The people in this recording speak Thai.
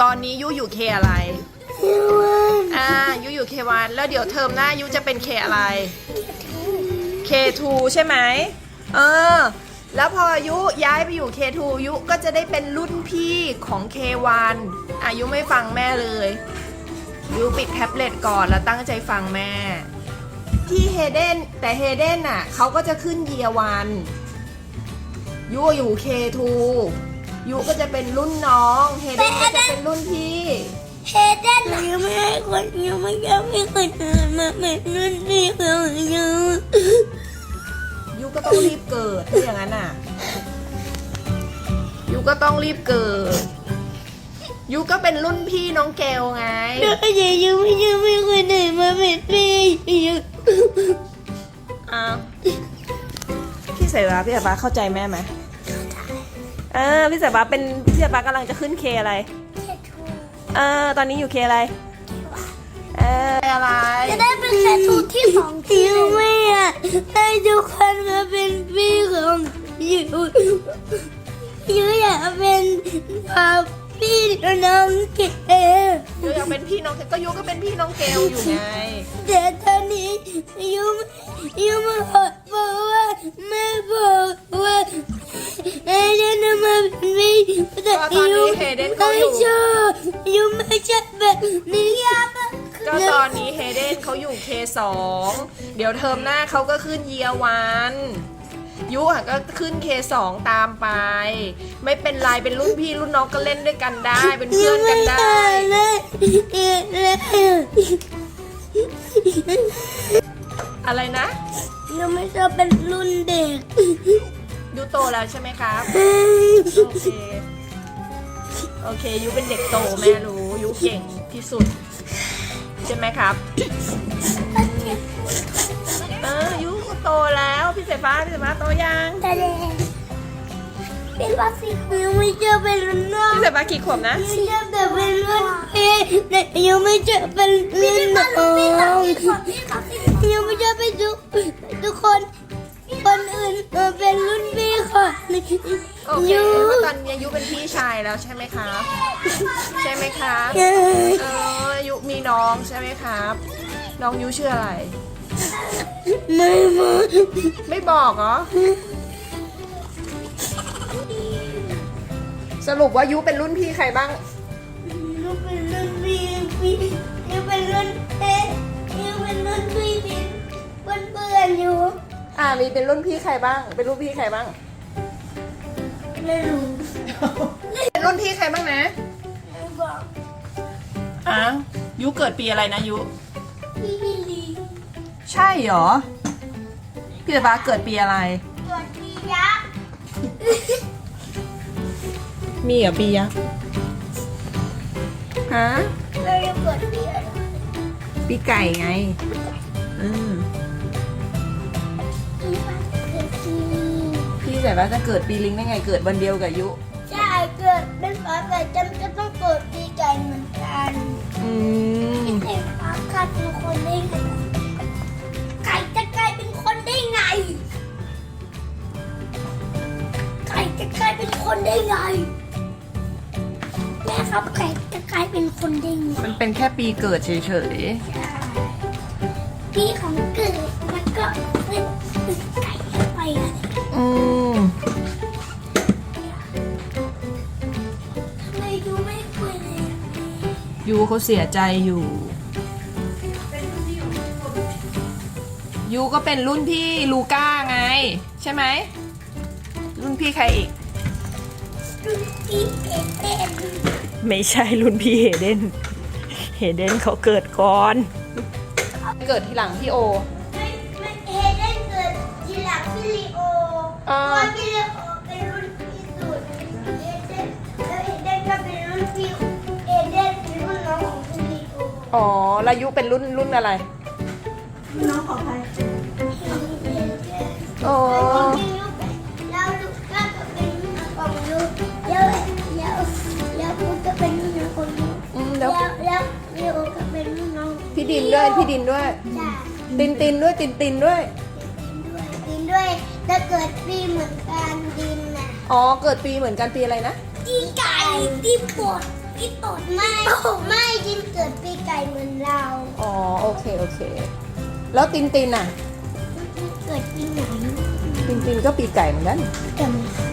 อนนี้ยูอยู่เคอะไรยูอยู่K1แล้วเดี๋ยวเทอมหน้ายูจะเป็นเคอะไรK2ใช่ไหมแล้วพอยุย้ายไปอยู่K2ยุก็จะได้เป็นรุ่นพี่ของK1ยุไม่ฟังแม่เลยยุปิดแท็บเล็ตก่อนแล้วตั้งใจฟังแม่ที่เฮเดนแต่เฮเดนน่ะเขาก็จะขึ้นเยียร์วันยุอยู่ K2 ยุก็จะเป็นรุ่นน้องเฮเดนก็จะเป็นรุ่นพี่เฮเดนยังไม่ให้คนยังไม่ยอมให้คนอื่นมาเป็นรุ่นพี่ของยูก็ต้องรีบเกิดถ้าอย่างนั้นน่ะยูก็ต้องรีบเกิดยูก็เป็นรุ่นพี่น้องเกลไงแล้วยังไม่ยอมให้คนอื่นมาเป็นพี่พี่สายฟ้าเข้าใจแม่ไหมพี่สายฟ้ากำลังจะขึ้นเคอะไรตอนนี้อยู่เคอะไรอะไรจะได้เป็นเคทูที่2ทีไม่ให้ทุกคนมาเป็นพี่ของยูอยากเป็นพี่น้องเกลยูอยากเป็นพี่น้องเกลก็ยูก็เป็นพี่น้องเกลอยู่ไงแต่ตอนนี้ยูมาบอกว่าแม่บอกว่าเฮเดนมาเป็นพี่แต่ยูไม่ชอบยูไม่ชอบแบบนี้ก็ตอนนี้เฮเดนเขาอยู่K2เดี๋ยวเทอมหน้าเขาก็ขึ้นเยียร์วันยุก็ขึ้นK2ตามไปไม่เป็นไรเป็นรุ่นพี่รุ่นน้องก็เล่นด้วยกันได้เป็นเพื่อนกันได้อะไรนะยูไม่ชอบเป็นรุ่นเด็กยูโตแล้วใช่ไหมครับโอเคยูเป็นเด็กโตแม่รู้ยูเก่งที่สุดใช่ไหมครับยูโตแล้วพี่สายฟ้าโตยังเป็นวัคซีนยังไม่เจอเป็นรุ่นน้องพี่สายฟ้ากี่ขวบนะยังเจอแต่เป็นรุ่นพี่แต่ยังไม่เจอเป็นรุ่นน้องยังไม่เจอเป็นทุกคนอื่นเป็นรุ่นพี่ค่ะโอเคตอนนี้ยูเป็นพี่ชายแล้วใช่ไหมครับใช่ไหมครับยูมีน้องใช่ไหมครับน้องยูชื่ออะไรไม่บอกเหรอสรุปว่ายูเป็นรุ่นพี่ใครบ้างยูเป็นรุ่นพี่ยูเป็นรุ่นยูเป็นรุ่นพี่เพื่อนอยู่มีเป็นรุ่นพี่ใครบ้างเป็นรุ่นพี่ใครบ้างไม่รู้เป็นรุ่นพี่ใครบ้างนะไม่บอกยูเกิดปีอะไรนะยูพี่ลีใช่เหรอพี่สายฟ้าเกิดปีอะไรเกิดปียักษ์มีเหรอปียักษ์เราจะเกิดปีอะไรปีไก่ไงพี่สายฟ้าจะเกิดปีลิงได้ไงเกิดวันเดียวกับยุใช่เกิดเป็นฝาแฝดจำจะต้องเกิดปีไก่เหมือนกันพี่สายฟ้าขาดเป็นคนได้ไงไก่จะกลายเป็นคนได้ไงไก่จะกลายเป็นคนได้ไงแม่ครับไก่จะกลายเป็นคนได้ไงมันเป็นแค่ปีเกิดเฉยๆปีของเกิดมันก็เป็นไก่ไปอะไรทำไมยูไม่คุยเลยยูเขาเสียใจอยู่ยูก็เป็นรุ่นพี่ลูก้าไงใช่ไหมรุ่นพี่ใครอีกรุ่นพี่เฮเดนไม่ใช่รุ่นพี่เฮเดนเขาเกิดก่อนเกิดทีหลังพี่โอไม่เฮเดนเกิดทีหลังพี่ลีโอเพราะพี่ลีโอเป็นรุ่นพี่สุดเฮเดนก็เป็นรุ่นพี่เฮเดนเป็นรุ่นน้องของพี่ลีโอแล้วยุเป็นรุ่นอะไรน้องของใครแล้วลูกก็เป็นรุ่นของยูแล้วปุ๊กก็เป็นรุ่นน้องของยูแล้วลีโอก็เป็นรุ่นน้องพี่ดินด้วยตินด้วยถ้าเกิดปีเหมือนกันดินน่ะเกิดปีเหมือนกันปีอะไรนะปีไก่ปีปดกินตดไม่ดินเกิดปีไก่เหมือนเราอ๋อโอเคโอเค แล้วตินตินอ่ะเกิดปีไหนตินตินก็ปีไก่เหมือนกันจำ